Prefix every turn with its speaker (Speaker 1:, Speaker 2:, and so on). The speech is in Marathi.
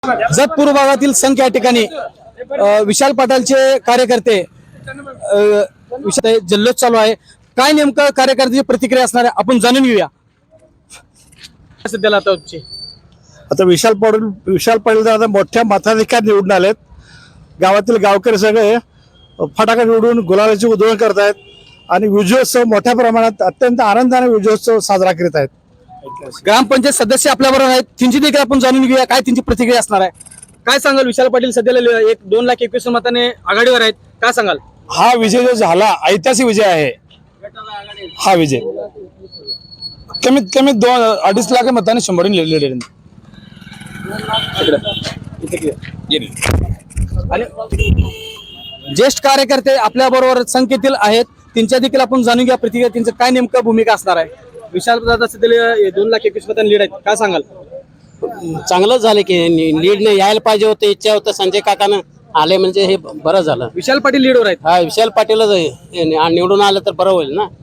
Speaker 1: जतपूर भागातील संख या ठिकाणी विशाल पाटलांचे कार्यकर्ते जल्लोष चालू आहे। काय नेमकं कार्यकर्त्याची प्रतिक्रिया असणार आहे आपण जाणून घेऊया। सध्याला
Speaker 2: आता विशाल पाटील आता मोठ्या मताधिक्यात निवडून आलेत। गावातील गावकरी सगळे फटाका निवडून गुलालाची उधळण करतायत आणि विजयोत्सव मोठ्या प्रमाणात अत्यंत आनंदाने विजयोत्सव साजरा करीत आहेत।
Speaker 1: ग्रामपंचायत सदस्य आपल्याबरोबर आहेत, त्यांची देखील आपण जाणून घेऊया काय त्यांची प्रतिक्रिया असणार आहे। काय सांगाल विशाल पाटील सध्याला 2,21,000 मताने आघाडीवर आहेत, काय सांगाल?
Speaker 2: हा विजय जो झाला ऐतिहासिक विजय आहे। हा विजय कमीत कमी 2-2.5 लाख मताने 100 लिहिले।
Speaker 1: ज्येष्ठ कार्यकर्ते आपल्या बरोबर संख्येतील आहेत, त्यांच्या देखील आपण जाणून घ्या प्रतिक्रिया, त्यांचं काय नेमकं भूमिका असणार आहे। विशाल दादा सध्या 2,21,000 मतांनी लीड आहेत, काय सांगाल?
Speaker 3: चांगलंच झालं की लीड ने यायला पाहिजे होतं, इच्छा होतं संजय काकानं आले म्हणजे हे बरं झालं।
Speaker 1: विशाल पाटील लीडवर आहेत।
Speaker 3: हा विशाल पाटीलच निवडून आलं तर बरं होईल ना।